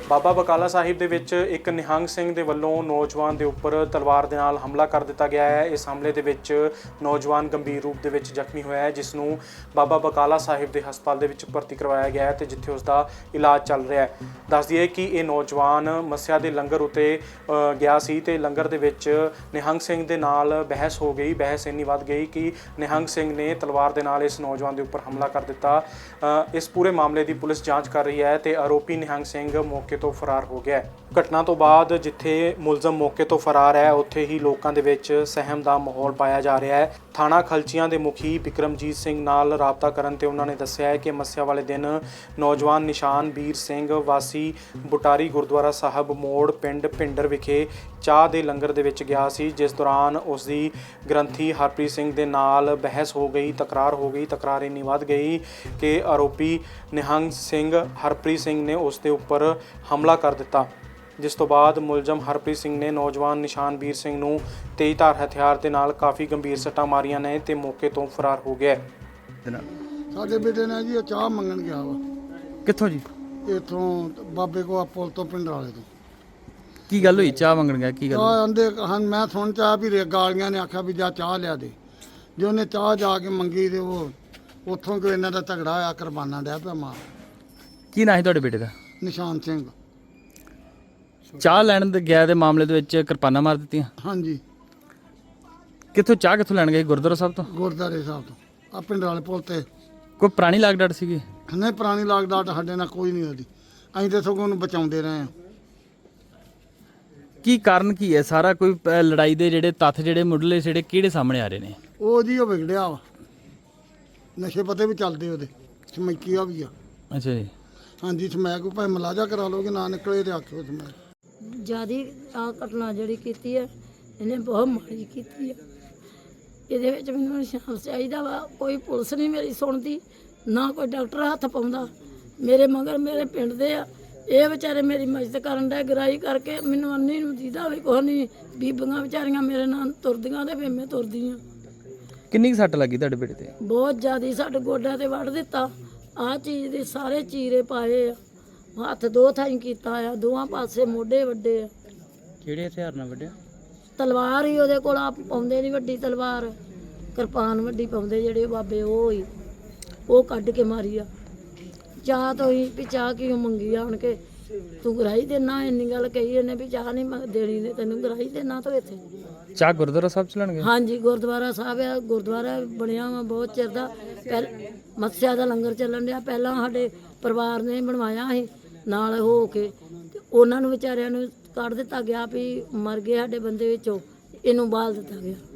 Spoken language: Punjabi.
ਬਾਬਾ ਬਕਾਲਾ ਸਾਹਿਬ ਦੇ ਵਿੱਚ ਇੱਕ ਨਿਹੰਗ ਸਿੰਘ ਦੇ ਵੱਲੋਂ ਨੌਜਵਾਨ ਦੇ ਉੱਪਰ ਤਲਵਾਰ ਦੇ ਨਾਲ ਹਮਲਾ ਕਰ ਦਿੱਤਾ ਗਿਆ ਹੈ। ਇਸ ਹਮਲੇ ਦੇ ਵਿੱਚ ਨੌਜਵਾਨ ਗੰਭੀਰ ਰੂਪ ਦੇ ਵਿੱਚ ਜ਼ਖਮੀ ਹੋਇਆ ਹੈ, ਜਿਸ ਨੂੰ ਬਾਬਾ ਬਕਾਲਾ ਸਾਹਿਬ ਦੇ ਹਸਪਤਾਲ ਦੇ ਵਿੱਚ ਭਰਤੀ ਕਰਵਾਇਆ ਗਿਆ ਹੈ ਤੇ ਜਿੱਥੇ ਉਸ ਦਾ ਇਲਾਜ ਚੱਲ ਰਿਹਾ ਹੈ। ਦੱਸ ਦਈਏ ਕਿ ਇਹ ਨੌਜਵਾਨ ਮੱਸਿਆ ਦੇ ਲੰਗਰ ਉੱਤੇ ਗਿਆ ਸੀ ਤੇ ਲੰਗਰ ਦੇ ਵਿੱਚ ਨਿਹੰਗ ਸਿੰਘ ਦੇ ਨਾਲ ਬਹਿਸ ਹੋ ਗਈ। ਬਹਿਸ ਇੰਨੀ ਵੱਧ ਗਈ ਕਿ ਨਿਹੰਗ ਸਿੰਘ ਨੇ ਤਲਵਾਰ ਦੇ ਨਾਲ ਇਸ ਨੌਜਵਾਨ ਦੇ ਉੱਪਰ ਹਮਲਾ ਕਰ ਦਿੱਤਾ। ਇਸ ਪੂਰੇ ਮਾਮਲੇ ਦੀ ਪੁਲਿਸ ਜਾਂਚ ਕਰ ਰਹੀ ਹੈ ਤੇ ਆਰੋਪੀ ਨਿਹੰਗ ਸਿੰਘ ਮੌਕੇ ਤੋਂ ਫਰਾਰ ਹੋ ਗਿਆ ਹੈ। ਘਟਨਾ ਤੋਂ ਬਾਅਦ ਜਿੱਥੇ ਮੁਲਜ਼ਮ ਮੌਕੇ ਤੋਂ ਫਰਾਰ ਹੈ, ਉੱਥੇ ਹੀ ਲੋਕਾਂ ਦੇ ਵਿੱਚ ਸਹਿਮ ਦਾ ਮਾਹੌਲ ਪਾਇਆ ਜਾ ਰਿਹਾ ਹੈ। ਥਾਣਾ ਖਲਚੀਆਂ ਦੇ ਮੁਖੀ ਬਿਕਰਮਜੀਤ ਸਿੰਘ ਨਾਲ ਰਾਬਤਾ ਕਰਨ ਤੇ ਉਹਨਾਂ ਨੇ ਦੱਸਿਆ ਹੈ ਕਿ ਮੱਸਿਆ ਵਾਲੇ ਦਿਨ ਨੌਜਵਾਨ ਨਿਸ਼ਾਨਵੀਰ ਸਿੰਘ ਵਾਸੀ ਬੁਟਾਰੀ ਗੁਰਦੁਆਰਾ ਸਾਹਿਬ ਮੋੜ ਪਿੰਡ ਭਿੰਡਰ ਵਿਖੇ ਚਾਹ ਦੇ ਲੰਗਰ ਦੇ ਵਿੱਚ ਗਿਆ ਸੀ, ਜਿਸ ਦੌਰਾਨ ਉਸ ਦੀ ਗ੍ਰੰਥੀ ਹਰਪ੍ਰੀਤ ਸਿੰਘ ਦੇ ਨਾਲ ਬਹਿਸ ਹੋ ਗਈ, ਤਕਰਾਰ ਹੋ ਗਈ। ਤਕਰਾਰ ਇੰਨੀ ਵੱਧ ਗਈ ਕਿ ਆਰੋਪੀ ਨਿਹੰਗ ਸਿੰਘ ਹਰਪ੍ਰੀਤ ਸਿੰਘ ਨੇ ਉਸ ਦੇ ਉੱਪਰ ਹਮਲਾ ਕਰ ਦਿੱਤਾ, ਜਿਸ ਤੋਂ ਬਾਅਦ ਮੁਲਜ਼ਮ ਹਰਪ੍ਰੀਤ ਸਿੰਘ ਨੇ ਨੌਜਵਾਨ ਨਿਸ਼ਾਨਵੀਰ ਸਿੰਘ ਨੂੰ ਤੇਜ਼ਧਾਰ ਹਥਿਆਰ ਦੇ ਨਾਲ ਕਾਫੀ ਗੰਭੀਰ ਸੱਟਾਂ ਮਾਰੀਆਂ ਨੇ ਤੇ ਮੌਕੇ ਤੋਂ ਫਰਾਰ ਹੋ ਗਿਆ। ਸਾਡੇ ਬੇਟੇ ਨੇ ਜੀ ਚਾਹ ਮੰਗਣ ਗਿਆ ਵਾ। ਕਿੱਥੋਂ ਜੀ? ਇੱਥੋਂ ਬਾਬੇ ਕੋ ਪੁਲ ਤੋਂ ਪਿੰਡ ਵਾਲੇ ਤੋਂ। ਕੀ ਗੱਲ ਹੋਈ? ਚਾਹ ਮੰਗਣ ਗਿਆ, ਕੀ ਗੱਲ? ਆਂਦੇ ਹਨ, ਮੈਂ ਸੁਣ ਚਾਹ ਵੀ ਗਾਲੀਆਂ ਨੇ ਆਖਿਆ ਵੀ ਜਾ ਚਾਹ ਲਿਆ ਦੇ। ਜੇ ਉਹਨੇ ਚਾਹ ਜਾ ਕੇ ਮੰਗੀ ਤੇ ਉਹ ਉੱਥੋਂ ਕੋਈ ਇਹਨਾਂ ਦਾ ਝਗੜਾ ਹੋਇਆ, ਕੁਰਬਾਨਾ ਡਿਆ ਪਿਆ ਮਾਰ। ਕੀ ਨਾਂ ਹੈ ਤੁਹਾਡੇ ਬੇਟੇ ਦਾ? ਨਿਸ਼ਾਨ ਸਿੰਘ। ਚਾਹ ਲੈਣ ਦੇ ਗਿਆ ਦੇ ਮਾਮਲੇ ਦੇ ਵਿੱਚ ਕਿਰਪਾਨਾਂ ਮਾਰ ਦਿੱਤੀਆਂ? ਹਾਂਜੀ। ਕਿੱਥੋਂ ਲੈਣ ਗਏ? ਗੁਰਦੁਆਰਾ ਸਾਹਿਬ ਤੋਂ? ਗੁਰਦਾਰੇ ਸਾਹਿਬ ਤੋਂ। ਆ ਪਿੰਡ ਵਾਲੇ ਪੁਲ ਤੇ। ਕੋਈ ਪੁਰਾਣੀ ਲਾਗ ਡਾਟ ਸੀਗੀ? ਨਹੀਂ, ਪੁਰਾਣੀ ਲਾਗ ਡਾਟ ਸਾਡੇ ਨਾਲ ਕੋਈ ਨਹੀਂ ਉਹਦੀ। ਅਸੀਂ ਤਾਂ ਸਗੋਂ ਉਹਨੂੰ ਬਚਾਉਂਦੇ ਰਹੇ ਹਾਂ। ਕੀ ਕਾਰਨ ਕੀ ਹੈ ਸਾਰਾ? ਕੋਈ ਲੜਾਈ ਦੇ ਜਿਹੜੇ ਤੱਥ ਜਿਹੜੇ ਮੁੱਢਲੇ ਜਿਹੜੇ ਕਿਹੜੇ ਸਾਹਮਣੇ ਆ ਰਹੇ ਨੇ? ਉਹ ਜੀ ਉਹ ਵਿਗੜਿਆ ਵਾ, ਨਸ਼ੇ ਪਤੇ ਵੀ ਚੱਲਦੇ ਉਹਦੇ, ਸਮੈਕੀਆ ਵੀ ਆ। ਅੱਛਾ ਜੀ। ਹਾਂਜੀ, ਸਮੈਕ ਕੋਈ ਭਾਵੇਂ ਮਲਾਜਾ ਕਰਾ ਲਓਗੇ, ਨਾ ਨਿਕਲੇ ਤੇ ਆਖੋ ਸਮੈਕ। ਜਿਆਦੀ ਆ ਘਟਨਾ ਜਿਹੜੀ ਕੀਤੀ ਹੈ ਇਹਨੇ ਬਹੁਤ ਮਾੜੀ ਕੀਤੀ ਹੈ। ਇਹਦੇ ਵਿੱਚ ਮੈਨੂੰ ਇਨਸਾਫ ਚਾਹੀਦਾ ਵਾ। ਕੋਈ ਪੁਲਿਸ ਨਹੀਂ ਮੇਰੀ ਸੁਣਦੀ, ਨਾ ਕੋਈ ਡਾਕਟਰ ਹੱਥ ਪਾਉਂਦਾ। ਮੇਰੇ ਮਗਰ ਮੇਰੇ ਪਿੰਡ ਦੇ ਆ, ਇਹ ਵਿਚਾਰੇ ਮੇਰੀ ਮਦਦ ਕਰਨ ਦਾ ਗਰਾਈ ਕਰਕੇ ਮੈਨੂੰ ਅੰਨੀ ਨੂੰ ਦੀਦਾ ਵੀ ਕੁਛ ਨਹੀਂ। ਬੀਬੀਆਂ ਵਿਚਾਰੀਆਂ ਮੇਰੇ ਨਾਲ ਤੁਰਦੀਆਂ ਤੇ ਫਿਰ ਮੈਂ ਤੁਰਦੀ ਹਾਂ। ਕਿੰਨੀ ਕੁ ਸੱਟ ਲੱਗੀ ਤੁਹਾਡੇ ਬੇਟੇ ਤੇ? ਬਹੁਤ ਜ਼ਿਆਦਾ। ਸਾਡੇ ਗੋਡਿਆਂ ਤੇ ਵੱਢ ਦਿੱਤਾ। ਆਹ ਚੀਜ਼ ਦੇ ਸਾਰੇ ਚੀਰੇ ਪਾਏ ਆ, ਹੱਥ ਦੋ ਥਾਈਂ ਕੀਤਾ ਆ, ਦੋਵਾਂ ਪਾਸੇ ਮੋਢੇ ਵੱਡੇ ਆ। ਕਿਹੜੇ ਹਥਿਆਰ ਨਾਲ ਵੱਢਿਆ? ਤਲਵਾਰ ਹੀ ਉਹਦੇ ਕੋਲ, ਆ ਪਾਉਂਦੇ ਨਹੀਂ ਵੱਡੀ ਤਲਵਾਰ, ਕਿਰਪਾਨ ਵੱਡੀ ਪਾਉਂਦੇ ਜਿਹੜੇ ਬਾਬੇ, ਉਹ ਹੀ ਉਹ ਕੱਢ ਕੇ ਮਾਰੀ ਆ। ਚਾਹ ਤੋਂ ਹੀ ਵੀ ਚਾਹ ਕਿਉਂ ਮੰਗੀ ਆਣ ਕੇ, ਤੂੰ ਗਰਾਈ ਦੇਣਾ? ਇੰਨੀ ਗੱਲ ਕਹੀ ਇਹਨੇ ਵੀ ਚਾਹ ਨਹੀਂ ਦੇਣੀ, ਨੇ ਤੈਨੂੰ ਗਰਾਈ ਦੇਣਾ ਤੋਂ ਇੱਥੇ। ਚਾਹ ਗੁਰਦੁਆਰਾ ਸਾਹਿਬ ਚ ਲੈਣਗੇ? ਹਾਂਜੀ, ਗੁਰਦੁਆਰਾ ਸਾਹਿਬ ਆ। ਗੁਰਦੁਆਰਾ ਬਣਿਆ ਵਾ ਬਹੁਤ ਚਿਰ ਦਾ। ਮੱਸਿਆ ਦਾ ਲੰਗਰ ਚੱਲਣ ਡਿਆ। ਪਹਿਲਾਂ ਸਾਡੇ ਪਰਿਵਾਰ ਨੇ ਬਣਵਾਇਆ ਸੀ ਨਾਲ ਹੋ ਕੇ, ਤੇ ਉਹਨਾਂ ਨੂੰ ਵਿਚਾਰਿਆਂ ਨੂੰ ਕੱਢ ਦਿੱਤਾ ਗਿਆ ਵੀ ਮਰ ਗਏ ਸਾਡੇ ਬੰਦੇ ਵਿੱਚੋਂ, ਇਹਨੂੰ ਬਾਲ ਦਿੱਤਾ ਗਿਆ।